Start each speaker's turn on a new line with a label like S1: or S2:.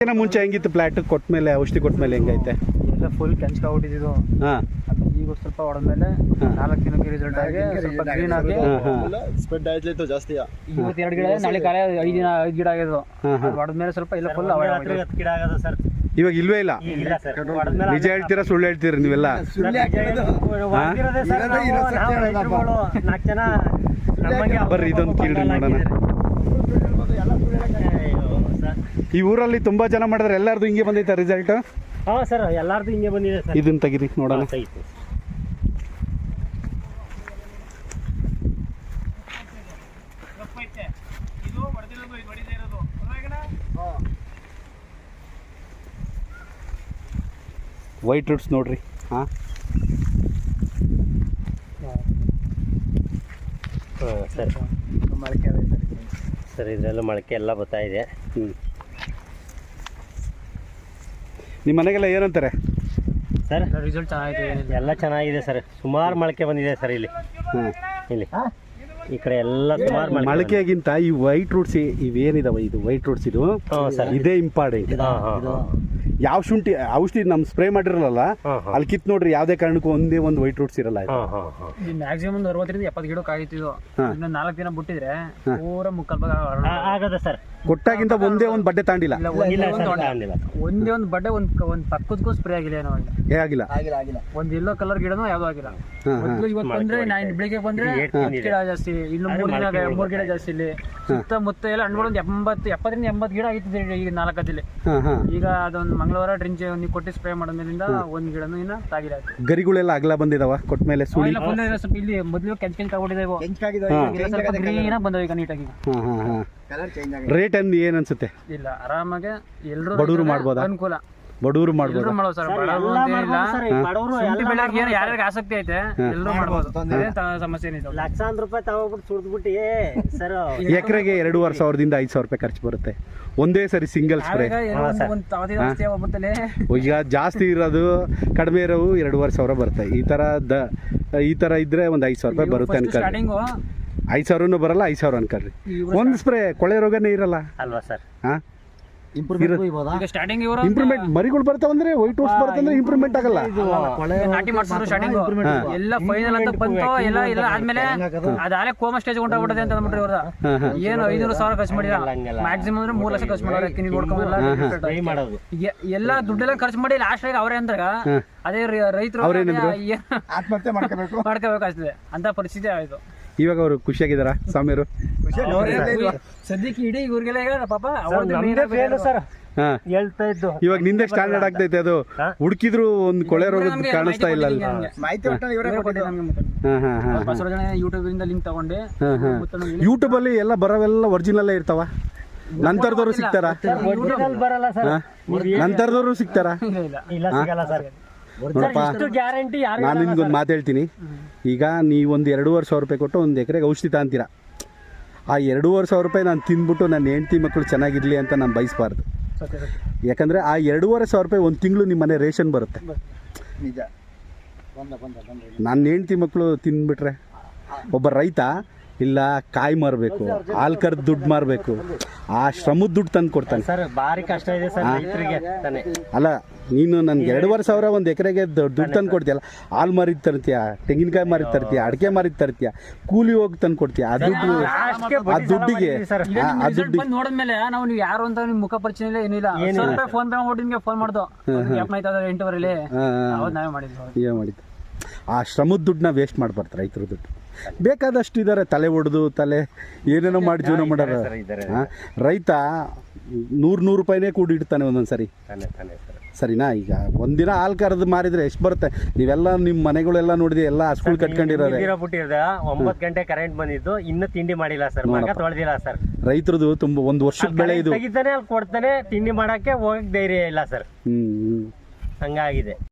S1: ಮುಂಚೆ ಹೆಂಗಿತ್ತು ಪ್ಲಾಟ್ ಕೊಟ್ಮೇಲೆ ಔಷಧಿ ಕೊಟ್ಮೇಲೆ ಹೆಂಗೈತೆ?
S2: ಎಲ್ಲ ಫುಲ್ ಕೆಂಚ್ಕೊಬಿಟ್ಟಿದ್ದು. ಈಗ ಸ್ವಲ್ಪ ಹೊಡೆದ್ಮೇಲೆ 4 ದಿನಕ್ಕೆ ರಿಸಲ್ಟ್ ಆಗಿ ಸ್ವಲ್ಪ ಗ್ರೀನ್ ಆಗಿ
S3: ಸ್ಪ್ರೆಡ್ ಆಯ್ತು ಜಾಸ್ತಿ.
S2: ಇವತ್ತು 2 ಗಿಡ ನಾಳೆ ಕಾಲ 5 ಗಿಡ ಆಗಿದ್ದು. ಹೊಡೆದ್ಮೇಲೆ ಸ್ವಲ್ಪ ಇಲ್ಲ ಫುಲ್
S4: 10 ಗಿಡ ಆಗದ ಸರ್.
S1: ಇವಾಗ ಇಲ್ವೇ ಇಲ್ಲ. ನಿಜ ಹೇಳ್ತೀರಾ ಸುಳ್ಳು ಹೇಳ್ತೀರಾ ನೀವೆಲ್ಲ? ಬರ್ರಿ ಇದೊಂದು ಕೀಳ್ರಿ ನೋಡೋಣ. ಈ ಊರಲ್ಲಿ ತುಂಬಾ ಜನ ಮಾಡಿದ್ರೆ ಎಲ್ಲಾರ್ದು ಹಿಂಗೆ ಬಂದೈತೆ ರಿಸಲ್ಟ್?
S4: ಹಾ ಸರ್, ಎಲ್ಲಾರ್ದು ಹಿಂಗೆ ಬಂದಿದೆ ಸರ್.
S1: ಇದನ್ನ ತೆಗಿರಿ ನೋಡೋಣ. ವೈಟ್ ರೂಟ್ಸ್ ನೋಡ್ರಿ. ಹಾಂ
S4: ಸರ್, ಸರ್ ಇದರಲ್ಲೂ ಮೊಳಕೆ ಎಲ್ಲ ಬರ್ತಾ ಇದೆ.
S1: ನಿಮ್ಮ ಮನೆಗೆಲ್ಲ ಏನಂತಾರೆ
S4: ಸರ್?
S2: ರಿಸಲ್ಟ್ ಚೆನ್ನಾಗಿದೆ,
S4: ಎಲ್ಲ ಚೆನ್ನಾಗಿದೆ ಸರ್. ಸುಮಾರು ಮೊಳಕೆ ಬಂದಿದೆ ಸರ್ ಇಲ್ಲಿ. ಇಲ್ಲಿ ಈ ಕಡೆ ಎಲ್ಲ ಸುಮಾರು
S1: ಮೊಳಕೆಗಿಂತ ಈ ವೈಟ್ ರೂಟ್ಸ್ ಇವೇನಿದಾವೆ, ಇದು ವೈಟ್ ರೂಟ್ಸ್, ಇದು ಇದೇ ಇಂಪಾರ್ಟೆಂಟ್. ಯಾವ ಶುಂಠಿ ಔಷಧಿ ನಮ್ ಸ್ಪ್ರೇ ಮಾಡಿರಲ್ಲ ಅಲ್ಲಿ ಕಿತ್ ನೋಡ್ರಿ, ಯಾವ್ದೇ ಕಾರಣಕ್ಕೂ ಒಂದೇ ಒಂದು ವೈಟ್ ರೂಟ್ಸ್ ಇರಲ್ಲ.
S2: ಮ್ಯಾಕ್ಸಿಮಮ್ 60 ರಿಂದ 70 ಗಿಡಕ್ಕೆ ಆಗಿತ್ತು. ಇನ್ನು 4 ದಿನ ಬಿಟ್ಟಿದ್ರೆ ಪೂರ ಮುಕ್ಕಾಲ್ ಭಾಗ
S4: ಆಗದ ಸರ್.
S1: ಕೊಟ್ಟಾಗಿಂತ ಒಂದೇ ಒಂದು ಬಡ್ಡೆ ತಾಂಡಿಲ್ಲ.
S2: ಒಂದೇ ಒಂದು ಬಡ್ಡೆ ಒಂದ್ ಪಕ್ಕದಕ್ಕೂ ಸ್ಪ್ರೇ ಆಗಿಲ್ಲ ಏನೋ
S1: ಆಗಿಲ್ಲ.
S2: ಒಂದ್ ಎಲ್ಲೋ ಕಲರ್ ಗಿಡನೂ ಯಾವ್ದು ಆಗಿಲ್ಲ. ಇವತ್ತು ಬಂದ್ರೆ ನಾನು ಬೆಳಿಗ್ಗೆ ಬಂದ್ರೆ 10 ಗಿಡ ಜಾಸ್ತಿ, ಇನ್ನು 3 ಗಿಡ ಜಾಸ್ತಿ. ಇಲ್ಲಿ ಸುತ್ತಮುತ್ತ ಎಲ್ಲ ಹಣ್ಣುಗಳು 70 ರಿಂದ 80 ಗಿಡ ಆಗಿತ್ತು ಈಗ 4 ದಿನ. ಈಗ ಅದೊಂದು ಮಂಗಳವಾರ ಡ್ರಿಂಚ್ ನೀವು ಕೊಟ್ಟು ಸ್ಪ್ರೇ ಮಾಡೋದ್ರಿಂದ ಒಂದ್ ಗಿಡನು ಇನ್ನ ತಾಗಿಲ್ಲ.
S1: ಗರಿಗಳೆಲ್ಲ ಅಗಲ ಬಂದಿದಾವ ಕೊಟ್ಮೇಲೆ? ಸುಳಿ
S2: ಸ್ವಲ್ಪ ಇಲ್ಲಿ ಮೊದಲು ಕೆಂಚಾಗಿದ್ದಾವೆ, ಗ್ರೀನ್ ಬಂದವ ಈಗ ನೀಟಾಗಿ.
S1: ರೇಟ್ ಅಂದ್ ಏನ್ ಅನ್ಸುತ್ತೆ?
S2: ಇಲ್ಲ ಆರಾಮಾಗಿ ಎಲ್ಲರೂ
S1: ಬಡವರು ಮಾಡ್ಬೋದಾ?
S2: ಅನುಕೂಲ,
S1: ಬಡವರು ಮಾಡ್ಬೋದು.
S2: ಯಾರ್ಯಾರಿಗೆ ಆಸಕ್ತಿ ಐತೆ ಎಲ್ಲರೂ ಮಾಡ್ಬೋದು, ಸಮಸ್ಯೆ ಏನಿದೆ.
S4: ಲಕ್ಷಾಂತರ ರೂಪಾಯಿ ತಗೋಬಿಟ್ಟು ಸುಡ್ದ್ಬಿಟ್ಟು ಸರ್
S1: ಎಕರೆಗೆ 2,500 ದಿಂದ 5,000 ರೂಪಾಯಿ ಖರ್ಚು ಬರುತ್ತೆ ಒಂದೇ ಸರಿ ಸಿಂಗಲ್ ಸ್ಪ್ರೇ. ಈಗ ಜಾಸ್ತಿ ಇರೋದು ಕಡಿಮೆ ಇರೋವು 2,500 ಬರುತ್ತೆ. ಈ ತರ ಇದ್ರೆ ಒಂದು 5,000 ರೂಪಾಯಿ ಬರುತ್ತೆ ಅನ್ಕೊಳ್ಳಿ. 5,000 ಬರಲ್ಲ, 5,000 ಅನ್ಕೊಳ್ರಿ. ಒಂದ್ ಸ್ಪ್ರೇ ಕೊಳೆ ರೋಗನೇ ಇರಲ್ಲ
S4: ಅಲ್ವಾ ಸರ್?
S2: ಇಂಪ್ರೂವ್ಮೆಂಟ್
S1: ಮರಿಗಳು ಬರ್ತಾವಂದ್ರೆ ವೈಟ್ ರೋಸ್ ಬರ್ತಂದ್ರೆ ಇಂಪ್ರೂವ್ಮೆಂಟ್ ಆಗಲ್ಲ.
S2: ನಾಟಿ ಮಾಡ್ಸಿದ್ರು ಸ್ಟಾರ್ಟಿಂಗ್ ಎಲ್ಲ ಫೈನಲ್ ಅಂತ ಬಂತು. ಎಲ್ಲ ಆದ್ಮೇಲೆ ಅದಾಲೆ ಕೋಮ ಸ್ಟೇಜ್ ಹೊಂಟೋಗ್ಬಿಟ್ಟದೆ ಅಂತ ಅಂದ್ಬಿಟ್ರಿ ಅವ್ರ. ಏನು 500,000 ಖರ್ಚು ಮಾಡಿಲ್ಲ, ಮ್ಯಾಕ್ಸಿಮಮ್ ಅಂದ್ರೆ 3 ಲಕ್ಷ ಖರ್ಚು ಮಾಡೋರು. ಕಿನಿ ನೋಡ್ಕೊಂಬಲ್ಲ ಎಲ್ಲ ದುಡ್ಡೆಲ್ಲ ಖರ್ಚು ಮಾಡಿ ಲಾಸ್ಟ್ ಆಗಿ ಅವರೇ ಅಂದಾಗ ಅದೇ ರೈತರು
S3: ಆತ್ಮಹತ್ಯೆ
S2: ಮಾಡ್ಕೋಬೇಕಾಗ್ತದೆ ಅಂತ ಪರಿಸ್ಥಿತಿ ಆಯ್ತು.
S1: ಇವಾಗ ಅವರು ಖುಷಿಯಾಗಿದಾರ ಸ್ವಾಮಿಯವರು?
S2: ಸದ್ಯಕ್ಕೆ ಇಡೀ ಇವ್ರಿಗೆಲ್ಲ ಪಾಪ
S4: ಸರ್ ಹೇಳ್ತಾ ಇದ್ದು.
S1: ಇವಾಗ ನಿಂದೆ ಸ್ಟ್ಯಾಂಡರ್ಡ್ ಆಗ್ತೈತೆ. ಅದು ಹುಡುಕಿದ್ರು ಒಂದು ಕೊಳೆ ರೋಗ ಕಾಣಿಸ್ತಾ ಇಲ್ಲ.
S2: ಯೂಟ್ಯೂಬ್ ಇಂದ ಲಿಂಕ್ ತಗೊಂಡೆ.
S1: ಯೂಟ್ಯೂಬ್ ಅಲ್ಲಿ ಎಲ್ಲ ಬರೋವೆಲ್ಲ ಒರಿಜಿನಲ್ ಇರ್ತಾವ? ನಂತರದವರು ಸಿಗ್ತಾರ?
S4: ಬರಲ್ಲ ಸರ್,
S1: ನಂತರದವರು ಸಿಗ್ತಾರ?
S4: ಇಲ್ಲ ಸಿಗಲ್ಲ ಸರ್. ಗ್ಯಾರಂಟಿ.
S1: ನಾನು ನಿಮ್ಗೊಂದು ಮಾತು ಹೇಳ್ತೀನಿ. ಈಗ ನೀವೊಂದು 2,500 ರೂಪಾಯಿ ಕೊಟ್ಟು ಒಂದು ಎಕರೆಗೆ ಔಷಧಿ ತಗೊಂತೀರಾ. ಆ 2,500 ರೂಪಾಯಿ ನಾನು ತಿಂದ್ಬಿಟ್ಟು ನನ್ನ ಹೆಂಡತಿ ಮಕ್ಕಳು ಚೆನ್ನಾಗಿರ್ಲಿ ಅಂತ ನಾನು ಬಯಸಬಾರ್ದು. ಯಾಕಂದರೆ ಆ 2,500 ರೂಪಾಯಿ ಒಂದು ತಿಂಗಳು ನಿಮ್ಮ ಮನೆ ರೇಷನ್ ಬರುತ್ತೆ. ನನ್ನ ಹೆಂಡತಿ ಮಕ್ಕಳು ತಿಂದ್ಬಿಟ್ರೆ ಒಬ್ಬ ರೈತ ಇಲ್ಲ ಕಾಯಿ ಮಾರಬೇಕು, ಹಾಲು ಕರೆದು ದುಡ್ಡು ಮಾರಬೇಕು, ಆ ಶ್ರಮದ ದುಡ್ಡು ತಂದು ಕೊಡ್ತಾನೆ
S4: ಸರ್. ಭಾರಿ ಕಷ್ಟ ಇದೆ ಸರ್ ರೈತರಿಗೆ.
S1: ಅಲ್ಲ, ನೀನು ನನ್ಗೆ 2,500 ಒಂದು ಎಕರೆಗೆ ದುಡ್ಡು ತಂದು ಕೊಡ್ತೀಯಲ್ಲ, ಹಾಲು ಮಾರಿದ್ ತರ್ತೀಯ, ತೆಂಗಿನಕಾಯಿ ಮಾರಿದ್ ತರ್ತೀಯ, ಅಡಿಕೆ ಮಾರಿದ್ ತರ್ತೀಯ, ಕೂಲಿ ಹೋಗಿ ತಂದು ಕೊಡ್ತೀಯ. ಆ ದುಡ್ಡಿಗೆ
S2: ನೋಡಿದ್ಮೇಲೆ ನಾವು ನೀವು ಯಾರು ಅಂತ ನಿಮ್ ಮುಖ ಪರಿಚಯ ಇಲ್ಲ, ಏನಿಲ್ಲ. ಫೋನ್ ಪೇ ಮಾಡಿ ನಿಮ್ಗೆ ಫೋನ್ ಮಾಡ್ದು 8:08 ನಾವೇ ಮಾಡಿದ್ದು.
S1: ಆ ಶ್ರಮದ ದುಡ್ಡನ್ನ ವೇಸ್ಟ್ ಮಾಡ್ಬಾರ್ದು ರೈತರ ದುಡ್ಡು. ಬೇಕಾದಷ್ಟು ಇದ್ದಾರೆ, ತಲೆ ಹೊಡೆದು ಏನೇನೋ ಮಾಡಿ ಜೀವನ ಮಾಡೋರು. ರೈತ 100 ರೂಪಾಯಿನೇ ಕೂಡಿ ಇಡ್ತಾನೆ ಒಂದೊಂದ್ಸರಿ. ಸರಿನಾ? ಈಗ ಒಂದಿನ ಹಾಲು ಕರೆದು ಮಾರಿದ್ರೆ ಎಷ್ಟು ಬರುತ್ತೆ? ನೀವೆಲ್ಲ ನಿಮ್ಮ ಮನೆಗಳೆಲ್ಲ ನೋಡಿದ್ರೆ ಎಲ್ಲ ಸ್ಕೂಲ್ ಕಟ್ಕೊಂಡಿರೋದು.
S4: 9 ಗಂಟೆ ಕರೆಂಟ್ ಬಂದಿದ್ದು, ಇನ್ನೂ ತಿಂಡಿ ಮಾಡಿಲ್ಲ ಸರ್, ಮಗ ತೊಳೆದಿಲ್ಲ ಸರ್.
S1: ರೈತರದು ತುಂಬ ಒಂದು ವರ್ಷದ ಬೆಳೆ ಇದು.
S4: ತೆಗಿತಾನೆ ಅಲ್ಲಿ ಕೊಡ್ತಾನೆ, ತಿಂಡಿ ಮಾಡಕ್ಕೆ ಹೋಗಕ್ ಧೈರ್ಯ ಇಲ್ಲ ಸರ್. ಹಂಗಾಗಿದೆ.